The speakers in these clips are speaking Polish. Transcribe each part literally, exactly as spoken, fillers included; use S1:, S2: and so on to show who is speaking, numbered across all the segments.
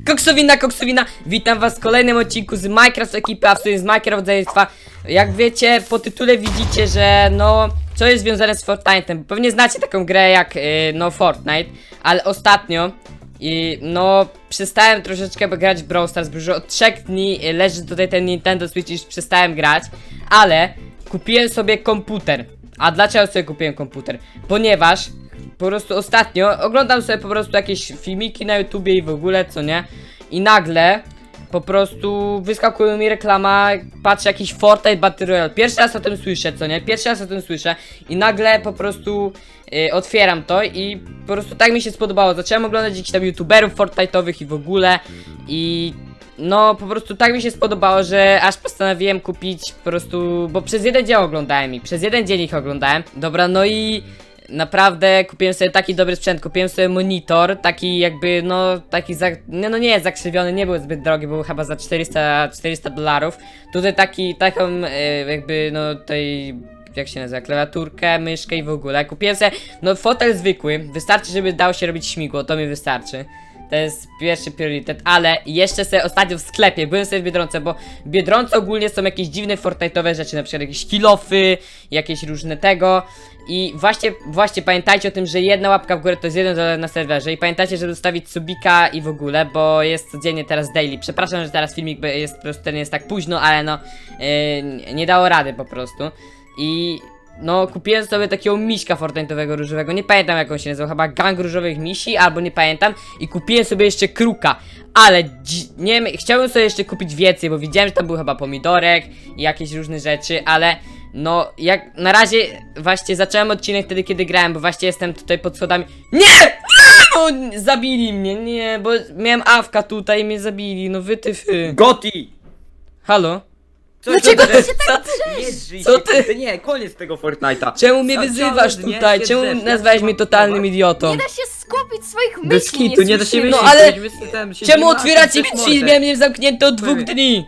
S1: Koksowina, koksowina, witam was w kolejnym odcinku z Minecraft ekipy, a w sumie z Minecraft Zajestwa. Jak wiecie, po tytule widzicie, że no, co jest związane z Fortnite'em. Pewnie znacie taką grę jak, yy, no, Fortnite, ale ostatnio, i no, przestałem troszeczkę grać w Brawl Stars, bo już od trzech dni leży tutaj ten Nintendo Switch i już przestałem grać, ale kupiłem sobie komputer. A dlaczego sobie kupiłem komputer? Ponieważ po prostu ostatnio oglądam sobie po prostu jakieś filmiki na YouTubie i w ogóle, co nie? I nagle po prostu wyskakuje mi reklama, patrzę jakiś Fortnite Battle Royale. Pierwszy raz o tym słyszę, co nie? Pierwszy raz o tym słyszę i nagle po prostu yy, otwieram to i po prostu tak mi się spodobało. Zacząłem oglądać jakichś tam YouTuberów Fortnite'owych i w ogóle i no po prostu tak mi się spodobało, że aż postanowiłem kupić po prostu, bo przez jeden dzień oglądałem ich, przez jeden dzień ich oglądałem. Dobra, no i naprawdę kupiłem sobie taki dobry sprzęt, kupiłem sobie monitor, taki jakby, no, taki, za, no, no nie jest zakrzywiony, nie był zbyt drogi, był chyba za czterysta dolarów. Tutaj taki, taką e, jakby, no, tej, jak się nazywa, klawiaturkę, myszkę i w ogóle. Kupiłem sobie, no, fotel zwykły, wystarczy, żeby dało się robić śmigło, to mi wystarczy. To jest pierwszy priorytet, ale jeszcze sobie ostatnio w sklepie, byłem sobie w Biedronce, bo w Biedronce ogólnie są jakieś dziwne Fortnite'owe rzeczy, na przykład jakieś kilofy, jakieś różne tego. I właśnie, właśnie pamiętajcie o tym, że jedna łapka w górę to jest jeden dolar na serwerze. I pamiętajcie, żeby zostawić subika i w ogóle, bo jest codziennie teraz daily. Przepraszam, że teraz filmik jest po prostu, ten jest tak późno, ale no yy, nie dało rady po prostu. I no, kupiłem sobie takiego miśka Fortnite'owego różowego, nie pamiętam jak on się nazywał, chyba gang różowych misi, albo nie pamiętam. I kupiłem sobie jeszcze kruka, ale nie wiem, chciałbym sobie jeszcze kupić więcej, bo widziałem, że tam był chyba pomidorek i jakieś różne rzeczy, ale no, jak na razie właśnie zacząłem odcinek wtedy, kiedy grałem, bo właśnie jestem tutaj pod schodami. Nie! No, zabili mnie, nie, bo miałem awka tutaj i mnie zabili, no wytyfy.
S2: Goti!
S1: Halo?
S2: Co,
S1: Dlaczego
S2: co,
S1: ty
S2: co,
S1: się tak
S2: drzesz?
S1: Co ty?
S2: Nie, koniec tego Fortnite'a.
S1: Czemu mnie
S2: Ca-
S1: wyzywasz
S2: całe dnie
S1: tutaj?
S2: się
S1: Czemu
S2: drzesz,
S1: nazwałeś
S2: ja
S1: mnie
S2: się
S1: totalnym
S2: mam
S1: idiotą?
S3: Nie da się skupić swoich myśli,
S2: Bez kitu, nie da się
S3: słyszymy.
S1: No,
S2: myśleć.
S1: ale
S2: byśmy tam siedzieli
S1: Czemu
S2: na
S1: otwieracie mi
S2: tym
S1: drzwi?
S2: mordę.
S1: Miałem je zamknięte od dwóch
S2: Były.
S1: dni.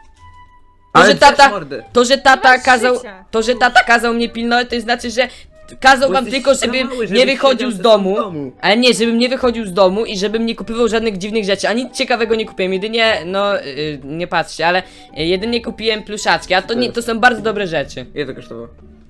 S1: To,
S2: Ale
S1: że tata,
S2: też mordę.
S1: to, że tata
S3: masz
S1: kazał,
S3: życia.
S1: to, że tata kazał mnie pilnować, to znaczy, że kazał
S2: Bo
S1: wam
S2: jesteś
S1: tylko,
S2: za
S1: żebym
S2: mały,
S1: nie
S2: żebyś
S1: wychodził
S2: siedział
S1: z
S2: ze
S1: domu,
S2: sobą w domu.
S1: ale nie, żebym nie wychodził z domu i żebym nie kupywał żadnych dziwnych rzeczy, a nic ciekawego nie kupiłem, jedynie, no, yy, nie patrzcie, ale yy, jedynie kupiłem pluszaczki, a to nie, to są bardzo dobre rzeczy.
S2: Ile to kosztowało?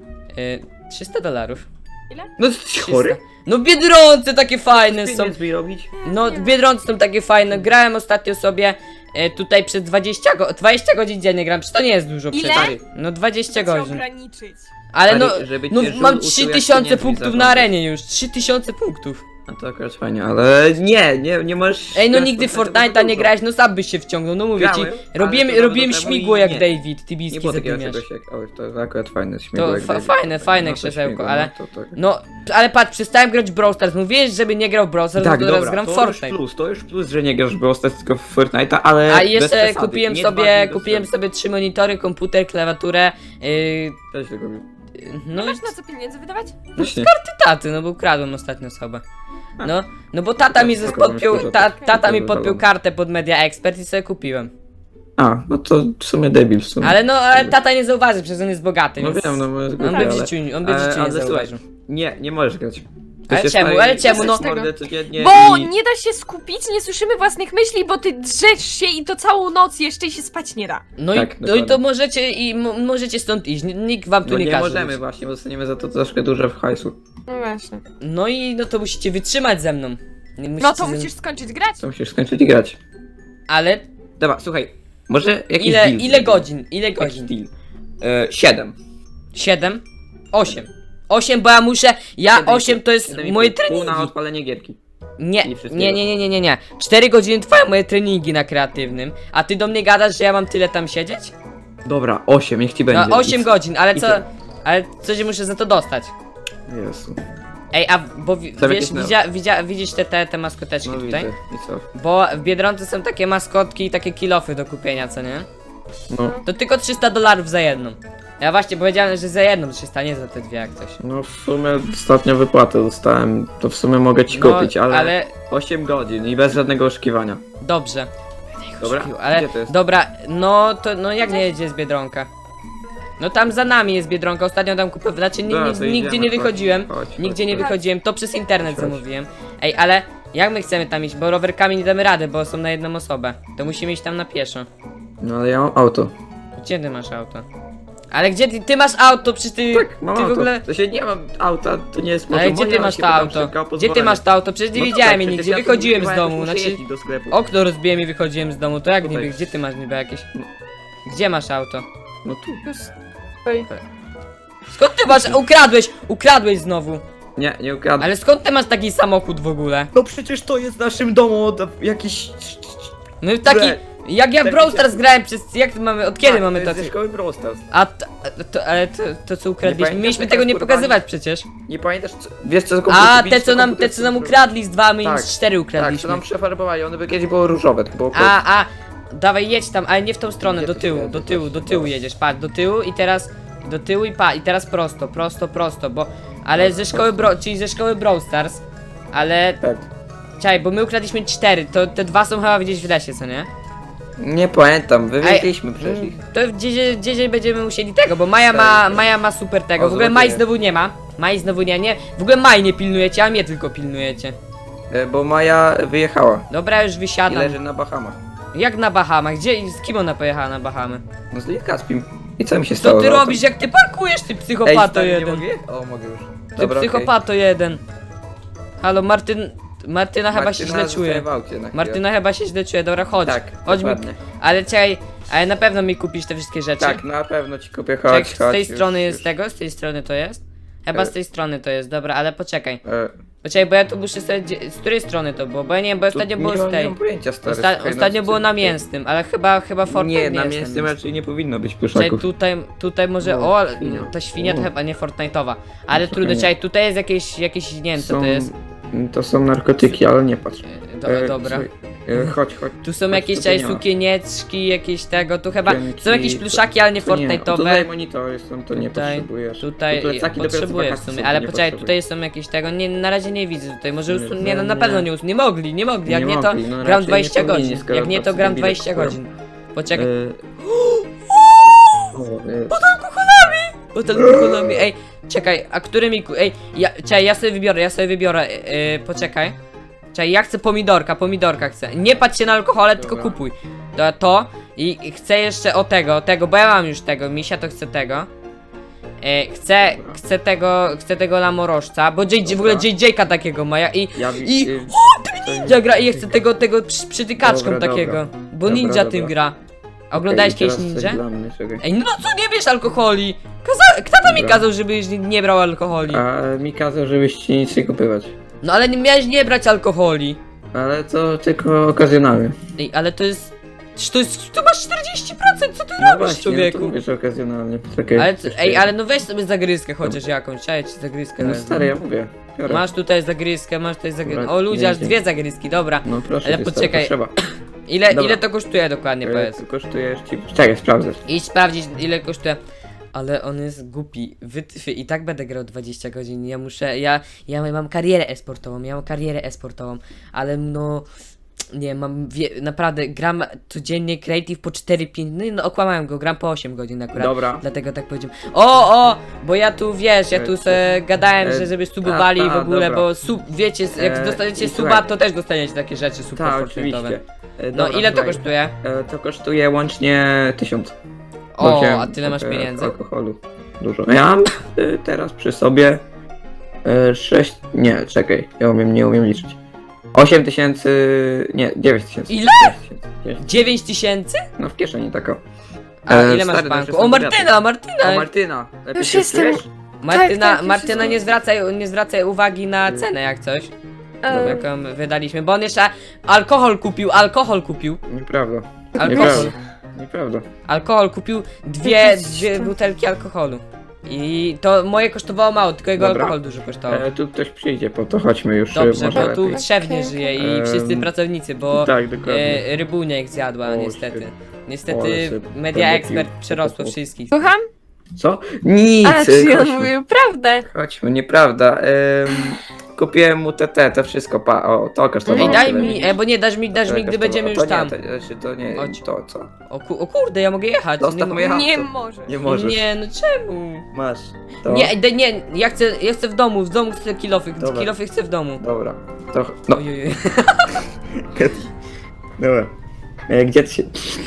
S1: Yy, trzysta dolarów.
S3: Ile?
S2: No jesteś chory?
S1: No w Biedronce takie fajne są.
S2: Pieniądz mi robić?
S1: No w Biedronce są takie fajne. Grałem ostatnio sobie e, tutaj przez dwadzieścia, go dwadzieścia godzin dziennie gram. Przecież to nie jest dużo
S3: Ile?
S1: przecież. No dwadzieścia
S3: Chcę
S1: godzin.
S3: ograniczyć.
S1: Ale no,
S2: Stary, żeby
S1: no
S2: cię żul
S1: mam
S2: uczył,
S1: trzy
S2: jak
S1: tysiące
S2: pieniędzmi
S1: punktów na
S2: zarządzać.
S1: arenie już. trzy tysiące punktów.
S2: No to akurat fajnie, ale nie, nie, nie możesz...
S1: Ej, no
S2: grać
S1: nigdy w
S2: Fortnite'a,
S1: Fortnite'a
S2: bo
S1: nie
S2: dużo.
S1: grałeś, no sam byś się wciągnął, no mówię
S2: Grałem,
S1: ci.
S2: ale
S1: Robiłem,
S2: to dawno
S1: robiłem
S2: temu
S1: śmigło
S2: i
S1: jak
S2: nie.
S1: David,
S2: Nie
S1: Tibijski
S2: było takiego
S1: zadymiarz.
S2: czegoś jak... Oj, to akurat fajne śmigło
S1: To
S2: jak
S1: fa
S2: David.
S1: fajne, fajne
S2: No to
S1: krzesełko,
S2: śmigło,
S1: ale...
S2: no to tak.
S1: No, ale patrz, przestałem grać w Brawl Stars. Mówiłeś, żeby nie grał w Brawl Stars,
S2: Tak,
S1: to teraz
S2: dobra,
S1: gram w
S2: to
S1: Fortnite.
S2: już plus, to już plus, że nie grasz w Brawl Stars, tylko w Fortnite'a, ale
S1: A
S2: bez
S1: jeszcze
S2: przesady,
S1: kupiłem
S2: nie
S1: sobie,
S2: dwa dni bez
S1: kupiłem
S2: przesady.
S1: sobie trzy monitory, komputer, klawiaturę, yy,
S2: Też tego robił.
S1: no i
S3: Masz na co pieniędzy wydawać?
S2: Właśnie.
S1: taty, no bo ukradłem ostatnio osobę.
S2: A.
S1: No, no bo tata
S2: Tak,
S1: mi
S2: spoko,
S1: podpiął,
S2: myślę, że
S1: ta,
S2: tak.
S1: tata mi
S2: Dobra,
S1: podpiął
S2: dobra.
S1: kartę pod Media Expert i sobie kupiłem.
S2: A, no to w sumie debil w sumie.
S1: Ale no, ale tata nie zauważy, przecież on jest bogaty,
S2: No
S1: więc
S2: wiem, no bo jest
S1: on
S2: głupie,
S1: by w
S2: ale-
S1: życiu, on by w
S2: ale-
S1: życiu nie
S2: ale słuchaj,
S1: zauważył.
S2: Nie, nie możesz grać. To
S1: Ale
S2: się
S1: czemu,
S2: stary-
S1: ale czemu, no?
S3: Dosyć
S2: mordę codziennie
S3: Bo
S2: i...
S3: nie da się skupić, nie słyszymy własnych myśli, bo ty drzesz się i to całą noc jeszcze i się spać nie da.
S1: No,
S2: Tak,
S1: i, no i to
S2: dokładnie.
S1: możecie i mo- możecie stąd iść, N- nikt wam tu
S2: No
S1: nie,
S2: nie
S1: każe.
S2: możemy
S1: być.
S2: właśnie, bo dostaniemy za to troszkę dużo w hajsu.
S3: No właśnie.
S1: No i no to musicie wytrzymać ze mną. Nie
S3: No
S1: musicie
S3: to
S1: ze-
S3: musisz skończyć grać.
S2: To musisz skończyć i grać.
S1: Ale
S2: Dobra, słuchaj, może jakiś
S1: ile,
S2: deal
S1: ile
S2: zrobimy?
S1: godzin, ile
S2: Jakiś
S1: godzin?
S2: deal. E, siedem.
S1: Siedem? Osiem. Osiem, bo ja muszę, ja
S2: Siedem i
S1: osiem
S2: pół.
S1: to jest
S2: Siedem i
S1: moje
S2: pół. Pół
S1: treningi.
S2: na odpalenie gierki.
S1: Nie,
S2: i wszystkiego.
S1: nie, nie, nie, nie, nie, nie. cztery godziny trwają moje treningi na kreatywnym, a ty do mnie gadasz, że ja mam tyle tam siedzieć?
S2: Dobra, osiem, niech ci będzie.
S1: No osiem
S2: I-
S1: godzin, ale
S2: i
S1: co,
S2: tyle.
S1: ale coś muszę za to dostać.
S2: Jezu.
S1: Ej, a bo wi-
S2: Tam
S1: wiesz,
S2: jakieś no-
S1: widzia, widzia, widzisz te, te, te maskoteczki
S2: No
S1: tutaj?
S2: widzę, i co?
S1: Bo w Biedronce są takie maskotki i takie kilofy do kupienia, co nie?
S2: No,
S1: To tylko trzysta dolarów za jedną. Ja właśnie powiedziałem, że za jedną trzysta, nie za te dwie jak coś.
S2: no w sumie ostatnio wypłatę dostałem, to w sumie mogę ci
S1: No,
S2: kupić, ale...
S1: ale
S2: osiem godzin i bez żadnego oszukiwania.
S1: dobrze.
S2: Dobra,
S1: Ale
S2: gdzie to jest?
S1: dobra, no to no jak nie jedzie z Biedronka? No tam za nami jest Biedronka, ostatnio tam kupowałem, znaczy ni,
S2: Dobra,
S1: ni,
S2: to
S1: nigdzie
S2: idziemy,
S1: nie
S2: chodź,
S1: wychodziłem,
S2: chodź,
S1: nigdzie
S2: chodź,
S1: nie
S2: chodź.
S1: wychodziłem, to przez internet
S2: Chodź.
S1: zamówiłem. Ej, ale Jak my chcemy tam iść? Bo rowerkami nie damy rady, bo są na jedną osobę. To musimy iść tam na pieszo.
S2: No ale ja mam auto.
S1: Gdzie ty masz auto? Ale gdzie ty, ty masz auto? Przecież ty,
S2: Tak, mam
S1: ty
S2: auto.
S1: w ogóle...
S2: To się nie mam auta, to nie jest może
S1: Ale gdzie
S2: moje,
S1: ty
S2: ale
S1: masz
S2: się
S1: to
S2: pytam
S1: auto?
S2: szybko o
S1: Gdzie ty
S2: pozwolenie.
S1: masz to auto? Przecież nie
S2: No
S1: widziałem
S2: tak,
S1: je
S2: przecież
S1: nigdzie,
S2: ja tu
S1: wychodziłem z
S2: używałem,
S1: domu,
S2: muszę
S1: znaczy...
S2: jeździć do sklepu.
S1: Okno rozbiłem i wychodziłem z domu, to jak
S2: Tutaj.
S1: niby, gdzie ty masz niby jakieś... Gdzie masz auto?
S2: No tu.
S3: Oj.
S1: Skąd ty masz? Ukradłeś! Ukradłeś znowu!
S2: Nie, nie ukradłem.
S1: Ale skąd ty masz taki samochód w ogóle?
S2: No przecież to jest w naszym domu od jakiś...
S1: No taki...
S2: Bre.
S1: Jak ja w
S2: Taki-
S1: Brawl Stars grałem przez... Jak to mamy... Od kiedy
S2: Tak,
S1: mamy
S2: to jest
S1: tacy...
S2: ze szkoły Brawl Stars.
S1: A to, to, ale to, to co ukradliśmy,
S2: pamiętasz,
S1: mieliśmy
S2: jak
S1: tego nie
S2: skurwani?
S1: pokazywać przecież.
S2: Nie pamiętasz, co, wiesz co za
S1: A,
S2: komputer-
S1: te co nam, te co nam ukradli z dwa, my
S2: Tak,
S1: z cztery
S2: Tak, co
S1: ukradliśmy.
S2: nam przefarbowali, one by kiedyś były różowe, to było
S1: A, a, dawaj jedź tam, ale nie w tą stronę,
S2: Gdzie
S1: do
S2: ty
S1: tyłu,
S2: się
S1: do
S2: jedziesz?
S1: tyłu, do tyłu
S2: Dobra.
S1: jedziesz, patrz, do tyłu i teraz, do tyłu i pa, i teraz prosto, prosto, prosto, bo, ale ze szkoły Bro, czyli ze szkoły Brawl Stars, ale,
S2: Tak.
S1: czekaj, bo my ukradliśmy cztery, to te dwa są chyba gdzieś w lesie, co nie?
S2: Nie pamiętam, wywieźliśmy przecież
S1: Mm,
S2: ich.
S1: To gdzieś, gdzieś będziemy musieli tego, bo Maja ma, Maja ma super tego.
S2: O,
S1: W ogóle
S2: zobaczymy.
S1: Maj znowu nie ma. Maj znowu nie, nie. W ogóle Maj nie pilnujecie, a mnie tylko pilnujecie.
S2: E, Bo Maja wyjechała
S1: Dobra, już
S2: i
S1: wysiadam.
S2: leży na Bahamach.
S1: Jak na Bahamach? Gdzie, z kim ona pojechała na Bahamy?
S2: No z Lil Caspim. I co mi się stało?
S1: Co ty
S2: z autem?
S1: robisz? Jak ty parkujesz, ty
S2: Ej,
S1: psychopato
S2: stary, nie
S1: jeden.
S2: mogę? O, mogę już.
S1: Ty
S2: Dobra, okej.
S1: psychopato jeden. Halo, Martyn... Martyna chyba się
S2: Martyna
S1: źle
S2: zostaje
S1: czuje.
S2: w aucie na chwilę.
S1: Martyna chyba się źle czuje, dobra, chodź.
S2: Tak,
S1: chodź mi...
S2: dokładnie.
S1: Ale czekaj, ale na pewno mi kupisz te wszystkie rzeczy.
S2: Tak, na pewno ci kupię,
S1: Czekaj,
S2: chodź,
S1: z
S2: chodź.
S1: tej
S2: już,
S1: strony
S2: już.
S1: jest tego? Z tej strony to jest? Chyba
S2: E.
S1: z tej strony to jest, dobra, ale poczekaj.
S2: E,
S1: Poczekaj, bo ja tu muszę sobie... gdzie- Z której strony to było? Bo ja nie wiem, bo
S2: tu
S1: ostatnio
S2: nie
S1: było
S2: mam-
S1: z tej.
S2: Nie mam pojęcia, stary.
S1: Osta
S2: słuchaj,
S1: ostatnio
S2: no,
S1: było
S2: ty-
S1: na mięsnym, ale chyba, chyba Fortnite
S2: Nie,
S1: nie
S2: na
S1: jest
S2: mięsnym
S1: ten
S2: raczej nie powinno być
S1: Czekaj,
S2: pluszaków.
S1: tutaj, tutaj może,
S2: No,
S1: o, ale
S2: świnia.
S1: ta świnia to
S2: O.
S1: chyba nie Fortnite'owa. Ale
S2: No,
S1: trudno,
S2: nie.
S1: czekaj, tutaj jest jakieś, jakieś, nie wiem co to jest.
S2: To są narkotyki, ale nie patrz.
S1: E, Do,
S2: E,
S1: dobra.
S2: słuchaj, e, chodź, chodź.
S1: Tu są
S2: chodź,
S1: jakieś
S2: tu
S1: czekaj,
S2: nie ma.
S1: sukienieczki, jakieś tego, tu chyba,
S2: Sukienki,
S1: są jakieś
S2: to-
S1: pluszaki, ale nie
S2: to nie. O, Tutaj
S1: Fortnite'owe.
S2: monitory są, to nie
S1: Tutaj,
S2: potrzebujesz.
S1: tutaj,
S2: Tu plecaki dopiero co
S1: potrzebuję w
S2: wakacje
S1: sumie,
S2: są,
S1: ale
S2: to nie
S1: poczekaj,
S2: potrzebujesz.
S1: tutaj są jakieś tego, nie, na razie nie widzę tutaj, może
S2: Nie,
S1: usun... nie, no
S2: no
S1: na
S2: nie.
S1: pewno nie usun... nie mogli, nie mogli, jak
S2: Nie
S1: nie to
S2: mogli, no
S1: gram
S2: raczej nie
S1: dwadzieścia
S2: powinni,
S1: godzin,
S2: skoro
S1: jak nie to
S2: tacy
S1: gram
S2: debile
S1: dwadzieścia
S2: kupują.
S1: godzin. Poczekaj,
S2: E, o, e,
S1: bo ten alkoholami, ej, czekaj, a którymi, ku- ej, ja, czekaj, ja sobie wybiorę, ja sobie wybiorę, yy, poczekaj. Czekaj, ja chcę pomidorka, pomidorka chcę. Nie patrz się na alkohole, tylko
S2: Dobra.
S1: kupuj. To, to i i chcę jeszcze o tego, tego, bo ja mam już tego, misia to chce tego. E, chcę,
S2: Dobra.
S1: chcę tego, chcę tego lamorożca, bo J J, w ogóle
S2: Dobra.
S1: J J-ka takiego ma, ja, i
S2: ja
S1: i-
S2: y,
S1: ninja gra i ja chcę tego, tego przy, przytykaczką
S2: Dobra,
S1: takiego,
S2: dobra.
S1: bo
S2: Dobra,
S1: ninja
S2: dobra.
S1: tym gra. A oglądałeś
S2: okej,
S1: kiedyś
S2: teraz coś
S1: ninja?
S2: dla mnie, czekaj.
S1: Ej, no co nie bierz alkoholi? Kaza kto to mi
S2: Dobra.
S1: kazał, żebyś nie, nie brał alkoholi?
S2: A mi kazał, żebyś ci nic nie kupywać.
S1: No ale nie miałeś nie brać alkoholi.
S2: Ale to tylko okazjonalnie.
S1: Ej, ale to jest... Czy to jest... Tu masz czterdzieści procent, co ty
S2: No
S1: robisz,
S2: właśnie, no
S1: człowieku?
S2: to mówisz okazjonalnie. Czekaj,
S1: Ale, co-
S2: jeszcze
S1: ej,
S2: jedno.
S1: ale no weź sobie zagryzkę chociaż jakąś, czekaj ci zagryzkę
S2: No
S1: wezmę.
S2: stary, ja mówię. Biorę.
S1: Masz tutaj zagryzkę, masz tutaj zagryzkę.
S2: Dobra,
S1: O ludzie,
S2: nie,
S1: aż
S2: nie.
S1: dwie zagryzki, dobra.
S2: No proszę,
S1: Ale
S2: cię, stary,
S1: poczekaj,
S2: to trzeba.
S1: Ile,
S2: Dobra.
S1: ile to kosztuje dokładnie,
S2: E,
S1: powiedz?
S2: to kosztuje ci... Czekaj, sprawdzę.
S1: Idź sprawdzić ile kosztuje. Ale on jest głupi, wytwy i tak będę grał dwadzieścia godzin, ja muszę, ja, ja mam karierę e-sportową, ja mam karierę e-sportową, ale no, nie mam, wie, naprawdę gram codziennie creative po cztery pięć, no, i no okłamałem go, gram po osiem godzin akurat,
S2: Dobra.
S1: dlatego tak powiedziałem. O, o, bo ja tu, wiesz, ja tu
S2: E,
S1: se gadałem,
S2: e,
S1: że żeby subowali
S2: a,
S1: w
S2: a,
S1: ogóle,
S2: dobra.
S1: bo sub, wiecie, jak
S2: E,
S1: dostaniecie
S2: i
S1: suba,
S2: słuchaj.
S1: to też dostaniecie takie rzeczy super
S2: Tak,
S1: fortnite'owe.
S2: oczywiście. E,
S1: No
S2: dobra,
S1: ile to
S2: słuchaj.
S1: kosztuje?
S2: E, to kosztuje łącznie tysiąc.
S1: O,
S2: Bo wziąłem
S1: a tyle masz
S2: trochę
S1: pieniędzy?
S2: Alkoholu. Dużo. Ja mam e, teraz przy sobie e, sześć. Nie, czekaj, ja umiem, nie umiem liczyć. osiem tysięcy. Nie, dziewięć tysięcy.
S1: Ile?
S2: dziewięć.
S1: dziewięć tysięcy?
S2: No w kieszeni taka.
S1: A
S2: E,
S1: ile masz w
S2: stary,
S1: banku?
S2: dobrze,
S1: O
S2: są
S1: Martyna,
S2: O
S1: Martyna!
S2: Martyna! Lepiej
S3: Już
S2: się
S3: jestem.
S2: czujesz?
S1: Martyna,
S3: Tak, tak, już
S1: Martyna
S3: jestem.
S1: nie zwracaj, nie zwracaj uwagi na cenę jak coś,
S3: E,
S1: jaką wydaliśmy, bo on jeszcze alkohol kupił, alkohol kupił,
S2: Nieprawda.
S1: alkohol,
S2: Nieprawda. Nieprawda.
S1: alkohol kupił dwie,
S3: Jakieś
S1: dwie
S3: tam-
S1: butelki alkoholu. I to moje kosztowało mało, tylko jego
S2: Dobra.
S1: alkohol dużo kosztował.
S2: E, tu ktoś przyjdzie, po to chodźmy już. e,
S1: Dobrze,
S2: może
S1: bo tu
S2: lepiej.
S1: trzech nie
S3: Okej,
S1: żyje i
S2: Em,
S1: wszyscy pracownicy, bo
S2: Tak, dokładnie.
S1: e, rybunia ich zjadła
S2: O,
S1: niestety.
S2: shit.
S1: Niestety
S2: O, ale
S1: Media
S2: sobie
S1: Expert
S2: pił.
S1: przerosło wszystkich.
S3: Słucham?
S2: Co? Nic!
S3: A, czy on
S2: chodźmy.
S3: mówił prawdę?
S2: Chodźmy, nieprawda. Ehm, kupiłem mu te, te, to wszystko, pa, o, to kosztowało.
S1: Ej, daj
S2: tyle,
S1: mi,
S2: widzisz?
S1: e, bo nie, dasz mi, dasz
S2: Tyle
S1: mi, gdy
S2: kosztowało.
S1: będziemy
S2: to
S1: już tam.
S2: Nie, to, znaczy, to nie,
S1: Chodź.
S2: to co?
S1: O, ku, o kurde, ja mogę jechać.
S2: Zostaw
S1: nie,
S2: mnie jechać.
S3: Nie
S2: co?
S3: możesz.
S2: Nie możesz.
S1: Nie, no czemu?
S2: Masz. To...
S1: Nie, ej, nie, ja chcę, ja chcę w domu, w domu chcę kilofy,
S2: Dobra.
S1: kilofy chcę w domu.
S2: Dobra. To... No.
S1: Ojej.
S2: Dobra. E, gdzie ty się...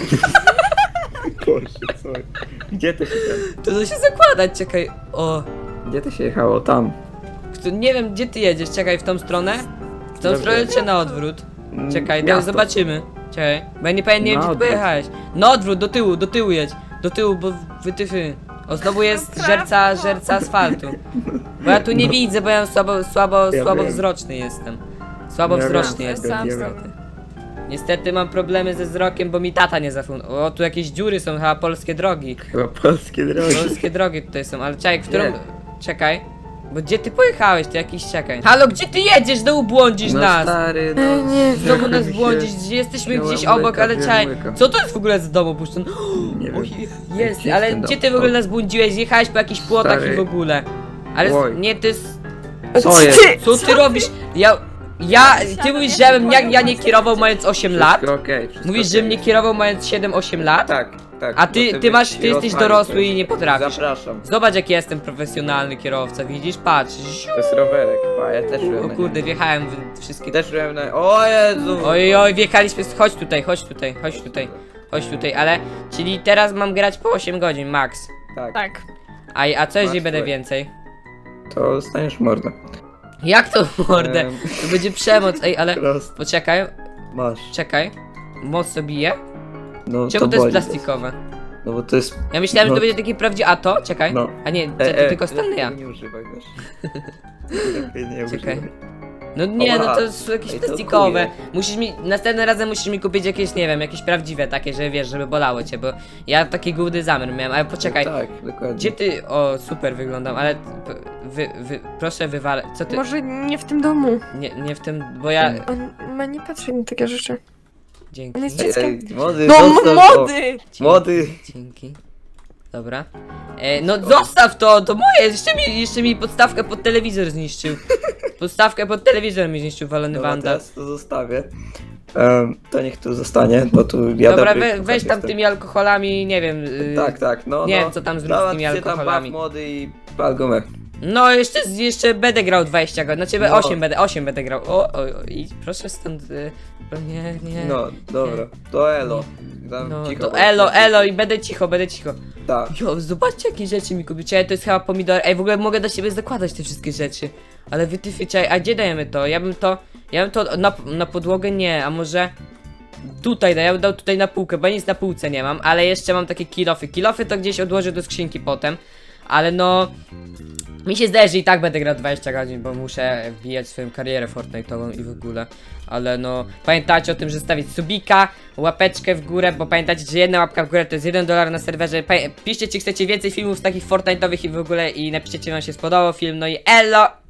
S2: Boże, co? Gdzie to się ten...
S1: To to się zakładać, czekaj. O,
S2: Gdzie to się jechało? Tam.
S1: kto- nie wiem gdzie ty jedziesz, czekaj, w tą stronę? W tą
S2: Dobrze.
S1: stronę czy na odwrót?
S2: Mm,
S1: Czekaj, no,
S2: miasto.
S1: zobaczymy. Czekaj, bo ja nie pamiętam, nie wiem
S2: Na
S1: gdzie ty
S2: odwrót.
S1: pojechałeś. Na odwrót, do tyłu, do tyłu jedź. Do tyłu, bo wytyfy. O, znowu jest żerca, żerca asfaltu. Bo ja tu nie
S2: No.
S1: widzę, bo ja słabo, słabo,
S2: Ja
S1: słabo
S2: wiem.
S1: wzroczny jestem. Słabo
S2: Ja
S1: wzroczny
S3: wiem,
S1: jestem,
S3: sam
S1: niestety. Niestety mam problemy ze wzrokiem, bo mi tata nie zafundował. O, tu jakieś dziury są, chyba polskie drogi.
S2: Chyba polskie drogi.
S1: Polskie drogi tutaj są, ale czekaj, w którą...
S2: Nie.
S1: Czekaj. Bo gdzie ty pojechałeś, to jakiś czekaj. Halo, gdzie ty jedziesz? Znowu błądzisz
S2: No
S1: nas!
S2: stary, no.
S3: E, nie.
S1: Znowu nas
S2: mi się-
S1: błądzisz, gdzie jesteśmy
S2: Wziąłem
S1: gdzieś obok,
S2: łyka,
S1: ale
S2: wziąłem
S1: czekaj.
S2: łyka.
S1: Co to jest w ogóle z domu puszczone?
S2: Nie wiem.
S1: Oj, jest,
S2: Gdzie
S1: ale
S2: jest ten
S1: gdzie
S2: dom?
S1: ty w ogóle
S2: O.
S1: nas błądziłeś? Jechałeś po jakichś płotach
S2: Stary.
S1: i w ogóle. Ale
S2: Oj.
S1: nie, to jest...
S2: Co jest?
S1: Co ty robisz? Ja... Ja... Ty mówisz, że ja, ja nie kierował mając osiem lat?
S2: Wszystko okej, wszystko
S1: Mówisz, że
S2: okej.
S1: mnie kierował mając siedem osiem lat?
S2: Tak, tak.
S1: A
S2: bo
S1: ty, ty
S2: byś
S1: masz, ty jesteś
S2: rozwalił
S1: dorosły
S2: coś.
S1: i nie potrafisz.
S2: Zapraszam.
S1: Zobacz jaki jestem profesjonalny kierowca, widzisz? Patrz.
S2: To jest rowerek, pa, ja też byłem
S1: O
S2: na
S1: kurde,
S2: nim.
S1: wjechałem w wszystkie...
S2: Też byłem na... O Jezu!
S1: Oj, oj, wjechaliśmy, chodź tutaj, chodź tutaj, chodź tutaj, chodź tutaj, ale... Czyli teraz mam grać po osiem godzin, max.
S2: Tak,
S3: Tak.
S1: A, a co jeżeli
S2: Max,
S1: będę
S2: słuchaj.
S1: więcej?
S2: to staniesz mordę.
S1: Jak to mordę?
S2: Em.
S1: To będzie przemoc, ej, ale...
S2: Prost,
S1: Poczekaj,
S2: masz.
S1: czekaj. Mocno bije?
S2: No
S1: Czemu to jest
S2: boli.
S1: plastikowe?
S2: No bo to jest...
S1: Ja myślałem, że
S2: No.
S1: to będzie taki prawdziwy... A to? Czekaj.
S2: No.
S1: A nie, to,
S2: E,
S1: to
S2: e,
S1: tylko Stanleya.
S2: lepiej nie używaj, wiesz. Lepiej nie
S1: Czekaj.
S2: używaj.
S1: No nie, no
S2: Oła.
S1: to są jakieś
S2: Ej, to
S1: plastikowe.
S2: kuje.
S1: Musisz mi, następnym razem musisz mi kupić jakieś, nie wiem, jakieś prawdziwe takie, że wiesz, żeby bolało cię, bo ja taki główny zamiar miałem, ale poczekaj.
S2: Tak, dokładnie.
S1: Gdzie ty, o super wyglądam, ale p- wy, wy, proszę wywalę, co ty,
S3: Może nie w tym domu.
S1: nie, nie w tym, bo ja,
S3: On ma nie patrzeć na takie rzeczy.
S1: dzięki,
S3: On jest
S2: Ej,
S3: dzieckiem.
S2: ej, młody,
S3: No
S2: zostaw to.
S3: młody!
S1: dzięki,
S2: Młody.
S1: dzięki, dobra, e, no zostaw to, to moje, jeszcze mi, jeszcze mi podstawkę pod telewizor zniszczył, podstawkę pod telewizor mi zniszczył walony
S2: Dobra,
S1: wandal.
S2: teraz to zostawię. Em, to niech tu zostanie, bo tu ja
S1: Dobra,
S2: dobry
S1: we,
S2: kucharz
S1: weź tam
S2: jestem.
S1: tymi alkoholami, nie wiem. Yy,
S2: Tak, tak, no,
S1: nie
S2: no.
S1: wiem, co tam zrób z
S2: Załatw
S1: tymi
S2: się tam
S1: alkoholami.
S2: baw młody i pal gumę.
S1: No, jeszcze, jeszcze będę grał dwadzieścia godzin. Znaczy,
S2: No.
S1: osiem będę, osiem będę grał. O, o, o i proszę stąd. Yy, o nie, nie.
S2: No, dobra, to elo. Tam
S1: No,
S2: cicho
S1: to
S2: bądź,
S1: elo,
S2: tak.
S1: elo i będę cicho, będę cicho.
S2: Tak.
S1: Jo, zobaczcie jakie rzeczy mi kupicie. To jest chyba pomidor. Ej, w ogóle mogę do siebie zakładać te wszystkie rzeczy. Ale wytyfy, czekaj, a gdzie dajemy to? Ja bym to, ja bym to na, na podłogę nie, a może... Tutaj, daj, ja bym dał tutaj na półkę, bo ja nic na półce nie mam, ale jeszcze mam takie kilofy. Kilofy to gdzieś odłożę do skrzynki potem, ale no... Mi się zdaje, że i tak będę grał dwadzieścia godzin, bo muszę wbijać swoją karierę Fortnite'ową i w ogóle. Ale no, pamiętajcie o tym, że stawić subika, łapeczkę w górę, bo pamiętajcie, że jedna łapka w górę to jest jeden dolar na serwerze. Pa piszcie, czy chcecie więcej filmów takich Fortnite'owych i w ogóle i napiszcie, czy wam się spodobał film, no i elo!